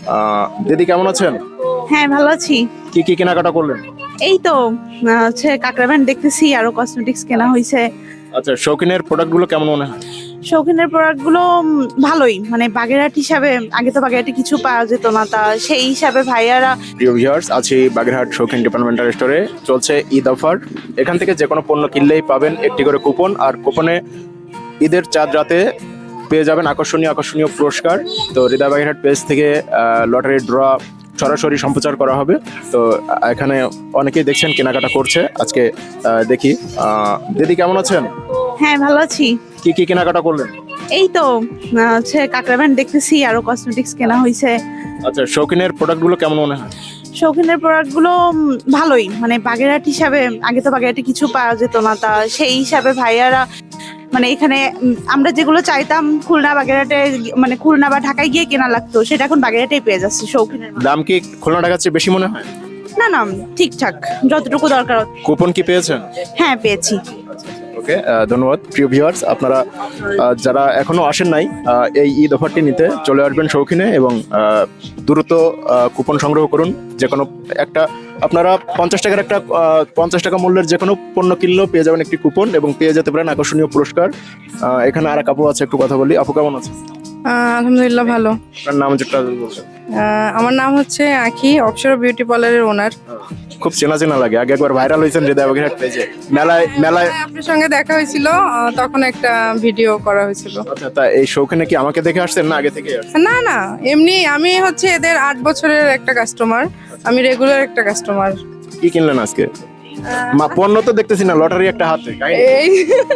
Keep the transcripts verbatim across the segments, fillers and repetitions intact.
আহ, দিদি কেমন আছেন? হ্যাঁ, ভালো আছি। কি কি কেনাকাটা করলেন? এই তো আহ, হচ্ছে কাঁকড়া ব্যান্ড দেখতেছি, আরো কসমেটিক্স কেনা হয়েছে। আচ্ছা, শৌখিনের প্রোডাক্টগুলো কেমন মনে হয়? শৌখিনের প্রোডাক্ট গুলো উম, ভালোই, মানে বাগেরহাট হিসাবে আগে তো বাগেরহাটে কিছু পাওয়া যেত না, তা সেই হিসাবে ভাইয়ারা। প্রিয় ভিউয়ার্স, আছি বাগেরহাট শৌখিন ডিপার্টমেন্টাল স্টোরে। চলছে ঈদ অফার। এখান থেকে যে কোনো পণ্য কিনলেই পাবেন একটি করে কুপন, আর কুপনে ঈদের চাঁদ রাতে পেয়ে যাবেন আকর্ষণীয় আকর্ষণীয় পুরস্কার। তো হৃদয় বাগেরহাট পেজ থেকে লটারি ড্র সরাসরি সম্প্রচার করা হবে। তো আহ, এখানে অনেকেই দেখছেন কেনাকাটা করছে। আজকে আহ, দেখি আহ, দিদি কেমন আছেন? হ্যাঁ, ভালো আছি। কি কি কেনাকাটা করলেন? এই তো আহ, হচ্ছে কাঁকড়া ব্যান্ড দেখতেছি, আরো কসমেটিক্স কেনা হয়েছে। আচ্ছা, শৌখিনের প্রোডাক্টগুলো কেমন মনে হয়? শৌখিনের প্রোডাক্ট গুলো উম, ভালোই, মানে বাগেরহাট হিসাবে আগে তো বাগেরহাটে কিছু পাওয়া যেত না, তা সেই হিসাবে ভাইয়ারা মানে এখানে উম, আমরা যেগুলো চাইতাম খুলনা বাগেরহাটে গি- মানে খুলনা বা ঢাকায় গিয়ে কেনা লাগতো, সেটা এখন বাগেরহাটেই পেয়ে যাচ্ছে শৌখিনের মাল। দাম কি খুলনা ঢাকার চেয়ে বেশি মনে হয়? না না, ঠিকঠাক যতটুকু দরকার। কুপন কি পেয়েছেন? হ্যাঁ, পেয়েছি। ওকে, ধন্যবাদ। প্রিয় ভিউয়ার্স, আপনারা আহ, যারা এখনো আসেন নাই আহ, এই ঈদ অফারটি নিতে চলে আসবেন শৌখিনে এবং আহ, দ্রুত আহ, কুপন সংগ্রহ করুন। যে কোনো একটা আপনারা পঞ্চাশ টাকার একটা আহ, পঞ্চাশ টাকা মূল্যের যে কোনো পণ্য কিনলেও পেয়ে যাবেন একটি কুপন এবং পেয়ে যেতে পারেন আকর্ষণীয় পুরস্কার। আহ, এখানে আর এক আপু আছে, একটু কথা বলি। আপু কেমন আছে? আহ, আলহামদুলিল্লাহ ভালো। আপনার নাম যেটা বলছেন। আহ, আমার নাম হচ্ছে আঁখি, অপসরা বিউটি পার্লারের ওনার। খুব চেনা চেনা লাগে। আগে একবার ভাইরাল হয়েছেন হৃদয় বাগেরহাট পেজে, মেলায় মেলায়। আপনার সঙ্গে দেখা হয়েছিল, আহ, তখন একটা ভিডিও করা হয়েছিল। আচ্ছা, তা এই শৌখিনে কি আমাকে দেখে আসছেন না আগে থেকে আসছেন? না না, এমনি আমি হচ্ছে এদের আট বছরের একটা কাস্টমার, আমি রেগুলার একটা কাস্টমার। কি কিনলেন আজকে? মা পণ্য তো দেখতেছি না, লটারি একটা হাতে। এই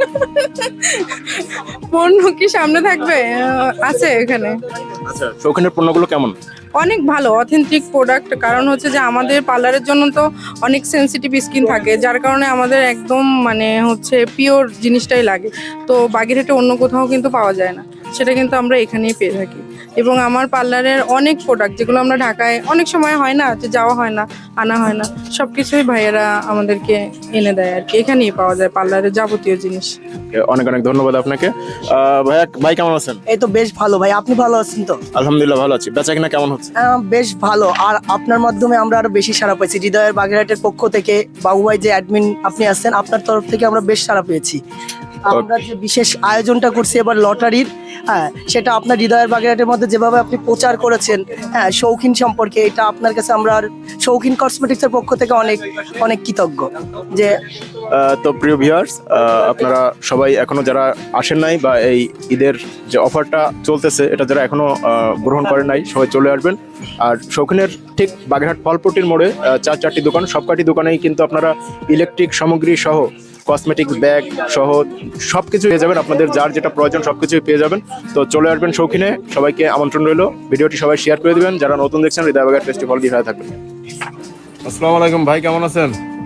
পণ্য কি সামনে থাকবে? আহ, আছে এখানে। আচ্ছা, শৌখিনের পণ্যগুলো কেমন? অনেক ভালো, অথেন্টিক প্রোডাক্ট। কারণ হচ্ছে যে আমাদের পার্লারের জন্য তো অনেক সেনসিটিভ স্কিন থাকে, যার কারণে আমাদের একদম মানে হচ্ছে পিওর জিনিসটাই লাগে। তো বাগেরহাটে অন্য কোথাও কিন্তু পাওয়া যায় না, সেটা কিন্তু আমরা এখানেই পেয়ে থাকি। এবং আমার পার্লারের অনেক প্রোডাক্ট যেগুলো আমরা ঢাকায় অনেক সময় হয় না, যে যাওয়া হয় না, আনা হয় না, সব কিছুই ভাইয়েরা আমাদেরকে এনে দেয় আর কি। এখানেই পাওয়া যায় পার্লারের যাবতীয় জিনিস। অনেক অনেক ধন্যবাদ আপনাকে। আহ, ভাইয়া, ভাই কেমন আছেন? এই তো বেশ ভালো ভাই, আপনি ভালো আছেন তো? আলহামদুলিল্লাহ ভালো আছি। বেচা কিনা কেমন হচ্ছে? আহ, বেশ ভালো। আর আপনার মাধ্যমে আমরা আরো বেশি সাড়া পেয়েছি। হৃদয়ের বাগেরহাটের পক্ষ থেকে বাবু ভাই যে অ্যাডমিন আপনি আছেন, আপনার তরফ থেকে আমরা বেশ সাড়া পেয়েছি। আমরা যে বিশেষ আয়োজনটা করছি এবার লটারির, হ্যাঁ, সেটা আপনার হৃদয়ের বাগেরহাটের মধ্যে যেভাবে আপনি প্রচার করেছেন, হ্যাঁ, শৌখিন সম্পর্কে, এটা আপনার কাছে আমরা আর শৌখিন কসমেটিক্সের পক্ষ থেকে অনেক অনেক কৃতজ্ঞ যে। আহ, তো প্রিয় ভিউয়ার্স, আপনারা সবাই এখনো যারা আসেন নাই বা এই ঈদের যে অফারটা চলতেছে এটা যারা এখনো আহ, গ্রহণ করেন নাই, সবাই চলে আসবেন। আর শৌখিনের ঠিক বাগেরহাট ফলপট্টির মোড়ে আহ, চার চারটি দোকান, সবকটি দোকানেই কিন্তু আপনারা ইলেকট্রিক সামগ্রী সহ কসমেটিক্স ব্যাগ সহ সবকিছু পেয়ে যাবেন। আপনাদের যার যেটা প্রয়োজন সবকিছুই পেয়ে যাবেন। তো চলে আসবেন শৌখিনে। সবাইকে আমন্ত্রণ রইল। ভিডিওটি সবাই শেয়ার করে দিবেন। যারা নতুন দেখছেন, হৃদয় বাগেরহাট ফেস্টিভ্যাল দিয়ে হয়ে থাকবেন। আসসালামু আলাইকুম ভাই, কেমন আছেন?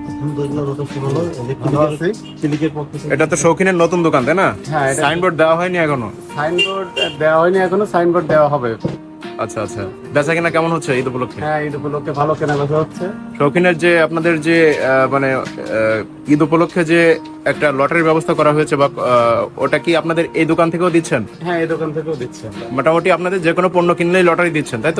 এটা তো শৌখিনের নতুন দোকান, তাই না? হ্যাঁ, এটা- সাইনবোর্ড দেওয়া হয়নি এখনো? সাইনবোর্ড দেওয়া হয়নি এখনো, সাইনবোর্ড দেওয়া হবে। আচ্ছা আচ্ছা, বেচা কিনা কেমন হচ্ছে ঈদ উপলক্ষে? হ্যাঁ, ঈদ উপলক্ষে ভালো কেনাবেচা হচ্ছে। শৌখিনের যে আপনাদের যে আহ, মানে আহ, ঈদ উপলক্ষে যে একটা লটারির ব্যবস্থা করা হয়েছে বা আহ, ওটা কি আপনাদের এই দোকান থেকেও দিচ্ছেন? হ্যাঁ, এই দোকান থেকেও দিচ্ছে। মোটামুটি আপনাদের যে কোনো পণ্য কিনলেই লটারি দিচ্ছেন, তাই তো?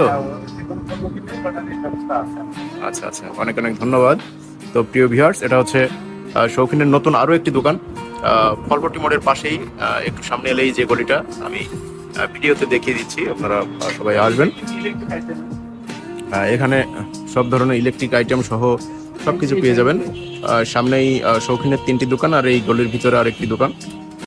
আচ্ছা আচ্ছা, অনেক অনেক ধন্যবাদ। তো প্রিয় ভিউয়ার্স, এটা হচ্ছে আহ, শৌখিনের নতুন আরো একটি দোকান আহ, ফলপট্টি মোড়ের পাশেই। আহ, একটু সামনে এলেই যে গলিটা আমি আহ, ভিডিওতে দেখিয়ে দিচ্ছি, আপনারা আহ, সবাই আসবেন। আহ, এখানে সব ধরনের ইলেকট্রিক আইটেম সহ সবকিছু পেয়ে যাবেন। আহ, সামনেই আহ, শৌখিনের তিনটি দোকান আর এই গলির ভিতরে আরেকটি দোকান।